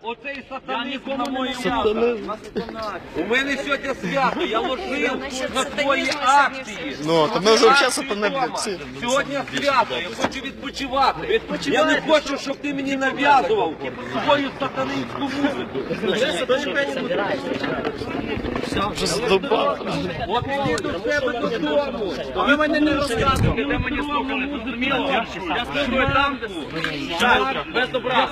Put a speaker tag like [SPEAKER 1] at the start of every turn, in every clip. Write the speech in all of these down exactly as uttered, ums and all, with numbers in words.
[SPEAKER 1] оцей сатанист на мою власну. У мене сьогодні свято, я ложив на твої акції.
[SPEAKER 2] Ну, то ми вже взагалі сатани, блядь, всі.
[SPEAKER 1] Сьогодні свято, я хочу відпочивати. Я не хочу, щоб ти мені нав'язував свою сатанинську музику.
[SPEAKER 2] Вже задовбав.
[SPEAKER 1] От іди до себе додому.
[SPEAKER 3] Ви мене не розказуєте, де мені слухали, зрозуміло? Я слухаю там, без добра.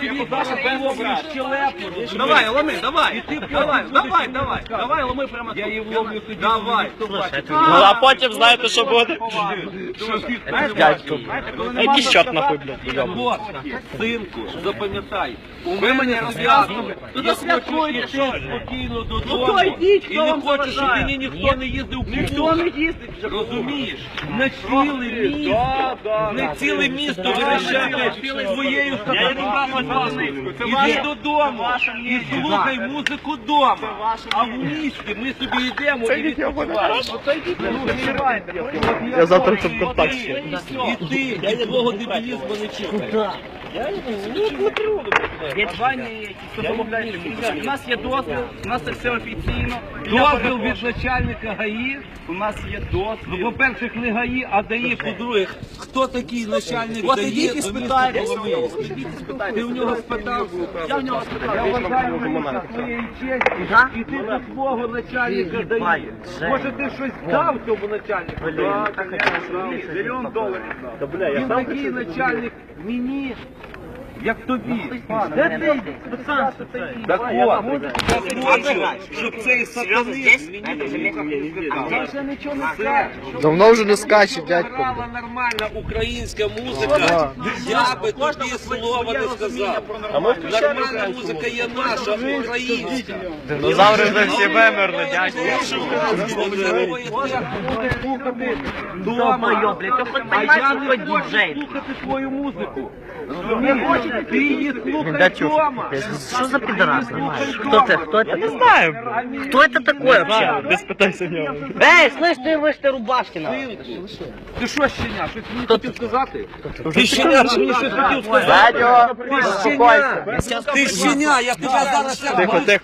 [SPEAKER 3] Давай, ломи, давай. Давай, давай, давай. Давай, ломи прямо. Я її вломлю тоді. Давай.
[SPEAKER 2] Ну, а потім знаєте, що буде? Дядько. Який чорт нахуй, блядь.
[SPEAKER 1] Вот, синку, запам'ятай, у мене зв'язано, я хочу йти спокійно додому, і не хочу, щоб мені ніхто не їздив в
[SPEAKER 3] Ніхто не їздить.
[SPEAKER 1] розумієш? Не ціле місто, не ціле місто вирішати своєю сатанинською. Іди додому і слухай музику вдома, а в місті ми собі йдемо і відпочиваємо.
[SPEAKER 2] Я завтра це в контакт ще.
[SPEAKER 1] І ти, і твого дебілізму не чекай.
[SPEAKER 3] У нас є дозвіл, у нас це все офіційно.
[SPEAKER 1] Дозвіл від начальника ГАІ.
[SPEAKER 3] У нас є дозвіл.
[SPEAKER 1] Ну, по-перше, не ГАІ, а ДАІ, по-друге, хто такий начальник
[SPEAKER 3] От
[SPEAKER 1] ДАІ?
[SPEAKER 3] ідіть і спитайте.
[SPEAKER 1] Ти в нього спитав?
[SPEAKER 3] Я в нього спитав.
[SPEAKER 1] Я вважаю, що це твоєї честі, і ти до свого начальника ДАІ. Може, ти щось дав цьому начальнику?
[SPEAKER 3] Мільйон доларів.
[SPEAKER 1] Він такий начальник мені, як тобі.
[SPEAKER 3] Де ти?
[SPEAKER 1] Так от, я хочу, щоб цей сатанист мені
[SPEAKER 3] Я вже нічого не скажу.
[SPEAKER 2] Давно вже не скаче, дядько.
[SPEAKER 1] грала нормальна українська музика, я би тобі слова не сказав. Нормальна музика є наша, українська.
[SPEAKER 2] Динозаври вже всі вимерли, дядько.
[SPEAKER 1] Дома, а я не хочу слухати твою музику. Ти її слухай вдома.
[SPEAKER 4] Что за пидорас, понимаешь? Кто ты? Кто это?
[SPEAKER 2] Не знаю.
[SPEAKER 4] Кто это такой вообще?
[SPEAKER 2] Без питайся в нього.
[SPEAKER 4] Эй, слышь, ты выше ты Рубашкина.
[SPEAKER 1] Ти що, щеня, щось мені хотів сказати? Ти щеня, ти мені щось хотів сказати?
[SPEAKER 2] Дядьо,
[SPEAKER 1] Ти щеня, ти щеня, я тебе зараз як
[SPEAKER 2] Тихо, тихо,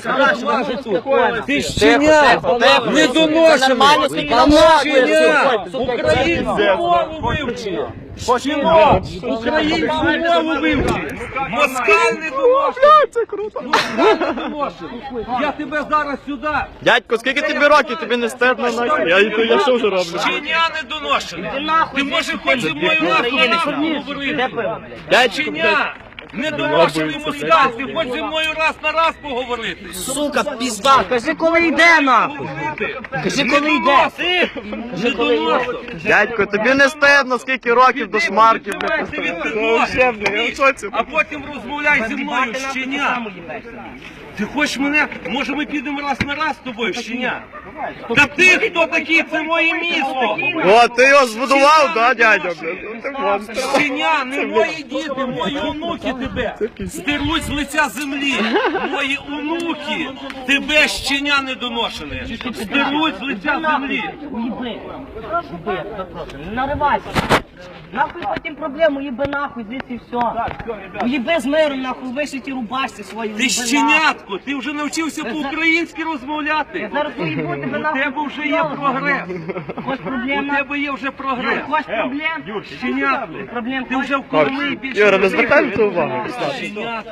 [SPEAKER 1] тихо. Ти щеня, недоношений. Щеня, українську мову вивчи. Щеня, українську мову вивчи. Москаль недоношений.
[SPEAKER 2] це круто.
[SPEAKER 1] Москаль недоношений. Я тебе зараз сюди.
[SPEAKER 2] Дядько, скільки тобі років? Тобі не стидно, нахуй? Я, я, я що вже роблю?
[SPEAKER 1] Щеня недоношений. Ти може хоч зі мною нахуй нахуй говорити.
[SPEAKER 2] Дядько,
[SPEAKER 1] Щеня, недоношений москаль, ти хоч зі мною раз на раз поговорити.
[SPEAKER 4] Сука, пизда, кажи, коли йде, нахуй. Кажи, коли йде.
[SPEAKER 1] Недоношений.
[SPEAKER 2] дядько, тобі не стидно, скільки років до шмарків, блядь.
[SPEAKER 1] Ти від
[SPEAKER 2] Ну, ще, блядь, я в шоці.
[SPEAKER 1] а потім розмовляй зі мною, щеня. Ти хочеш мене, може ми підемо раз на раз з тобою, щеня? Та ти хто такий, це моє місто.
[SPEAKER 2] О, ти його збудував, да, дядя, блядь? Ну, ти монстр.
[SPEAKER 1] Щеня, не мої діти, мої онуки тебе стируть з лиця землі. Мої онуки тебе, щеня недоношене, стируть з лиця землі.
[SPEAKER 4] Уеби. Уеби, я тебя прошу, не наривайся. Нахуй потім проблему, уеби нахуй, здесь і все. Уеби з миром, нахуй, вишиті рубашці свої.
[SPEAKER 1] Ти
[SPEAKER 4] уеби нахуй.
[SPEAKER 1] щенятко, ти вже навчився по-українськи розмовляти.
[SPEAKER 4] Я зараз уебу тебе
[SPEAKER 1] У
[SPEAKER 4] нахуй.
[SPEAKER 1] тебе вже є прогрес.
[SPEAKER 4] Хочеш
[SPEAKER 1] У
[SPEAKER 4] проблем?
[SPEAKER 1] тебе є вже прогрес.
[SPEAKER 4] Хочеш проблем?
[SPEAKER 1] Щенятко,
[SPEAKER 4] Проблем
[SPEAKER 1] ти
[SPEAKER 4] хочеш?
[SPEAKER 1] вже в Коломиї більше.
[SPEAKER 2] Юра, не звертай на це увагу.
[SPEAKER 1] Щенятко.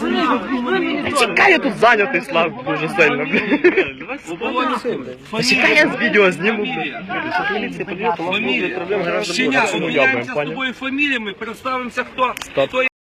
[SPEAKER 2] Чекай, я тут зайнятий, Слав, дуже сильно, блядь. Чекай, я з відео зніму, блядь.
[SPEAKER 1] Фамілія. Щеня, обміняємося з тобою фаміліями, представимося, хто, хто